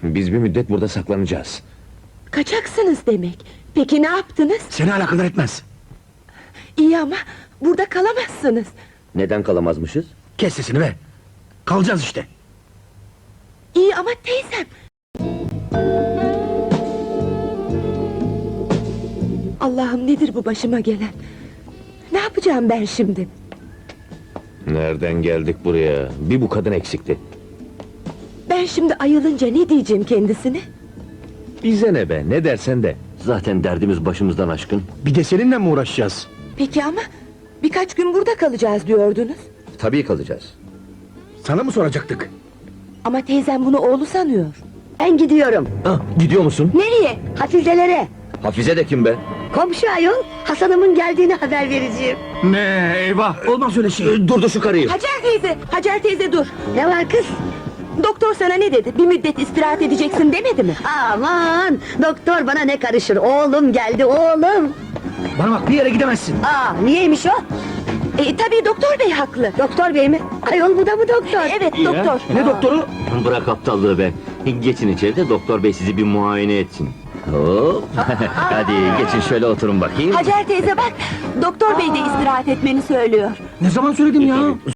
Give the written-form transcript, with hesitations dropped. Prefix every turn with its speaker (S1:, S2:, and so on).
S1: Biz bir müddet burada saklanacağız.
S2: Kaçaksınız demek. Peki ne yaptınız?
S3: Seni alakadar etmez.
S2: İyi ama burada kalamazsınız.
S1: Neden kalamazmışız?
S3: Kes sesini be. Kalacağız işte.
S2: İyi ama teyzem. Allah'ım, nedir bu başıma gelen? Ne yapacağım ben şimdi?
S1: Nereden geldik buraya? Bir bu kadın eksikti.
S2: Ben şimdi ayılınca ne diyeceğim kendisine?
S1: Bize ne be, ne dersen de. Zaten derdimiz başımızdan aşkın.
S3: Bir de seninle mi uğraşacağız?
S2: Peki ama birkaç gün burada kalacağız diyordunuz.
S1: Tabii kalacağız.
S3: Sana mı soracaktık?
S2: Ama teyzem bunu oğlu sanıyor.
S4: Ben gidiyorum.
S1: Gidiyor musun?
S2: Nereye?
S4: Hafizelere.
S1: Hafize de kim be?
S4: Komşu ayol, Hasan'ımın geldiğini haber vereceğim.
S3: Ne eyvah, olmaz öyle şey.
S1: Durdu şu karıyı.
S2: Hacer teyze, Hacer teyze dur.
S4: Ne var kız?
S2: Doktor sana ne dedi? Bir müddet istirahat edeceksin demedi mi?
S4: Aman, doktor bana ne karışır? Oğlum geldi, oğlum.
S3: Bana bak, bir yere gidemezsin.
S4: Niyeymiş o?
S2: Tabii doktor bey haklı.
S4: Doktor bey mi? Ayol bu da mı doktor?
S2: Evet doktor.
S3: Ne doktoru?
S1: Bırak aptallığı be. Geçin içeride, doktor bey sizi bir muayene etsin. Hop. Hadi geçin şöyle oturun bakayım.
S2: Hacer teyze bak, doktor bey de istirahat etmeni söylüyor.
S3: Ne zaman söyledim ya?